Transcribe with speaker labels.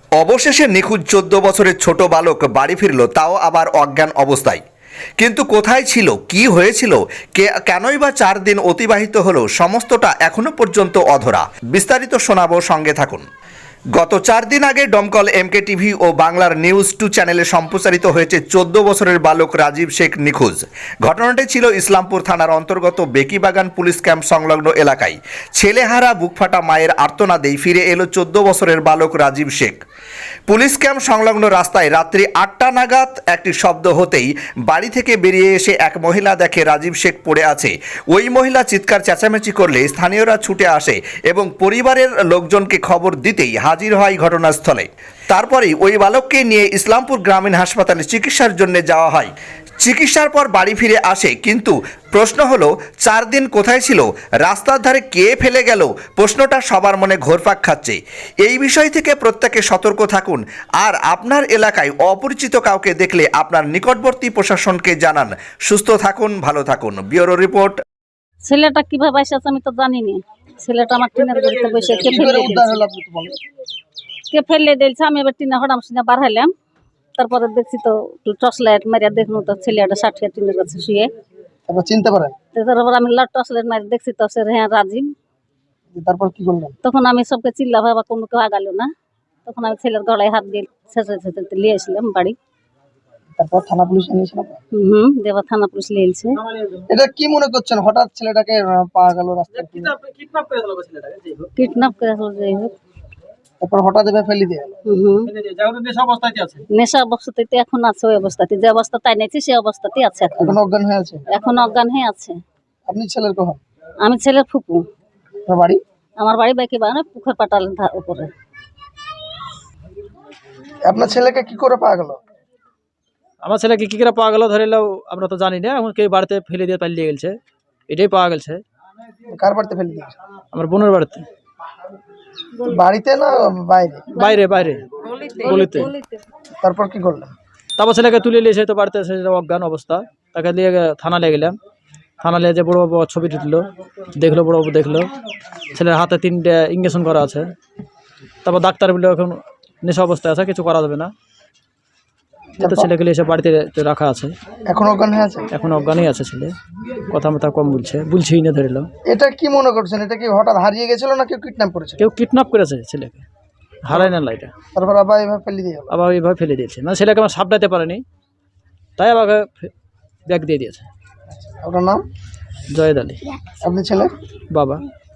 Speaker 1: অবশেষে নিখোঁজ 14 বছরের ছোট বালক বাড়ি ফিরল, তাও আবার অজ্ঞান অবস্থায়। কিন্তু কোথায় ছিল, কি হয়েছিল, কেনই বা 4 দিন অতিবাহিত হলো, সমস্তটা এখনো পর্যন্ত অধরা। বিস্তারিত শোনাবো, সঙ্গে থাকুন। গত 4 দিন আগে দমকল এমকে টিভি ও বাংলার নিউজ 2 চ্যানেলে সম্প্রচারিত হয়েছে 14 বছরের বালক রাজীব শেখ নিখোঁজ। ঘটনাটি ছিল ইসলামপুর থানার অন্তর্গত বেকিবাগান পুলিশ ক্যাম্প সংলগ্ন এলাকায়। ছেলেহারা বুকফাটা মায়ের আর্তনাদেই ফিরে এলো 14 বছরের বালক রাজীব শেখ। পুলিশ ক্যাম্প সংলগ্ন রাস্তায় রাত্রি 8টা নাগাদ একটি শব্দ হতেই বাড়ি থেকে বেরিয়ে এসে এক মহিলা দেখে রাজীব শেখ পড়ে আছে। ওই মহিলা চিৎকার চেঁচামেচি করলে স্থানীয়রা ছুটে আসে এবং পরিবারের লোকজনকে খবর দিতেই হাজির হয় ঘটনাস্থলে। তারপরেই ওই বালককে নিয়ে ইসলামপুর গ্রামীণ হাসপাতালে চিকিৎসার জন্য যাওয়া হয়। চিকিৎসার পর বাড়ি ফিরে আসে, কিন্তু প্রশ্ন হলো 4 দিন কোথায় ছিল, রাস্তার ধারে কে ফেলে গেল, প্রশ্নটা সবার মনে ঘোরপাক খাচ্ছে। এই বিষয় থেকে প্রত্যেকে সতর্ক থাকুন, আর আপনার এলাকায় অপরিচিত কাউকে দেখলে আপনার নিকটবর্তী প্রশাসনকে জানান। সুস্থ থাকুন, ভালো থাকুন। Bureau report.
Speaker 2: ছেলেটা কিভাবে এসেছে আমি তো জানি না। ছেলেটা আমার টিনের বাড়িতে বসে কে ফেলে দিয়েছে। আমি এবার টিনে হঠাৎ শুনে বার হলাম। তারপরে দেখছি তো টর্চ লাইট মারিয়া দেখুন তো ছেলেটা ষাটিয়া টিনের কাছে শুয়ে।
Speaker 3: তারপর চিনতে পারেন?
Speaker 2: তারপর আমি টর্চ লাইট মারি দেখছি তো সে হ্যাঁ রাজীব।
Speaker 3: তারপর কি করলেন?
Speaker 2: তখন আমি সবকে চিল্লা ভাবা, কোনো কেউ আগালো না। তখন আমি ছেলের গলায় হাত দিয়ে ছেঁচে নিয়ে আসলাম বাড়ি।
Speaker 3: তারপর থানা পুলিশ এনেছিল?
Speaker 2: দেবা থানা পুলিশ নিয়েছে।
Speaker 3: এটা কি মনে করছেন, হঠাৎ ছেলেটাকে পাওয়া গেল রাস্তায়?
Speaker 2: কিডন্যাপ করে হলো যাই হোক।
Speaker 3: তারপর হঠাৎ এভাবে ফেলে দিয়ে গেল?
Speaker 2: নেশা অবস্থাতে এখন আছে, ওই অবস্থাতে যে অবস্থা তাই নিয়েছি সেই অবস্থাতেই আছে।
Speaker 3: এখন অজ্ঞান হয়ে আছে?
Speaker 2: এখন অজ্ঞান হয়ে আছে।
Speaker 3: আপনি ছেলের কখন?
Speaker 2: আমি ছেলের ফুপু।
Speaker 3: আপনার বাড়ি?
Speaker 2: আমার বাড়ি বেকিবাগান পুকুর পাটালের উপরে।
Speaker 3: আপনার ছেলেকে কি করে পাওয়া গেল?
Speaker 4: আমার ছেলেকে কি করে পাওয়া গেল ধরিলেও আমরা তো জানি না। এখন কেউ বাড়িতে ফেলে দিয়ে পালিয়ে গেছে, এটাই পাওয়া গেছে।
Speaker 3: কার বাড়িতে ফেলে দিয়েছে?
Speaker 4: আমার বোনের বাড়িতে।
Speaker 3: বাড়িতে না বাইরে?
Speaker 4: বাইরে বাইরে গলিতে।
Speaker 3: তারপর কি করলেন?
Speaker 4: তারপর ছেলেকে তুলে নিয়েছে তো বাড়িতে, এসে অজ্ঞান অবস্থা। তাকে নিয়ে থানা নিয়ে গেলাম। থানা নিয়ে যে বড় বাবু ছবি তুললো, দেখলো, বড় বাবু দেখলো ছেলের হাতে 3টে ইঞ্জেকশন করা আছে। তারপর ডাক্তার বললো এখন নেশা অবস্থায় আছে, কিছু করা যাবে না। তো ছেলেকে এসে বাড়িতে রাখা আছে।
Speaker 3: এখন অজ্ঞান হয়ে আছে?
Speaker 4: এখন অজ্ঞানই আছে ছেলে, কথা মতো কম বলছেই না ধরিল।
Speaker 3: এটা কি মনে করছেন, এটা কি হঠাৎ হারিয়ে গেছিল না কেউ কিডন্যাপ করেছে?
Speaker 4: কেউ কিডন্যাপ করেছে ছেলেকে, হারায় না লাইটা।
Speaker 3: তারপর আবার এভাবে ফেলে দিয়ে গেল?
Speaker 4: আবার এইভাবে ফেলে দিয়েছে, মানে ছেলেকে আমার সাপটাইতে পারেনি, তাই আমাকে ব্যাগ দিয়ে দিয়েছে।
Speaker 3: আপনার নাম?
Speaker 4: জয়েদ আলী।
Speaker 3: আপনি ছেলে?
Speaker 4: বাবা।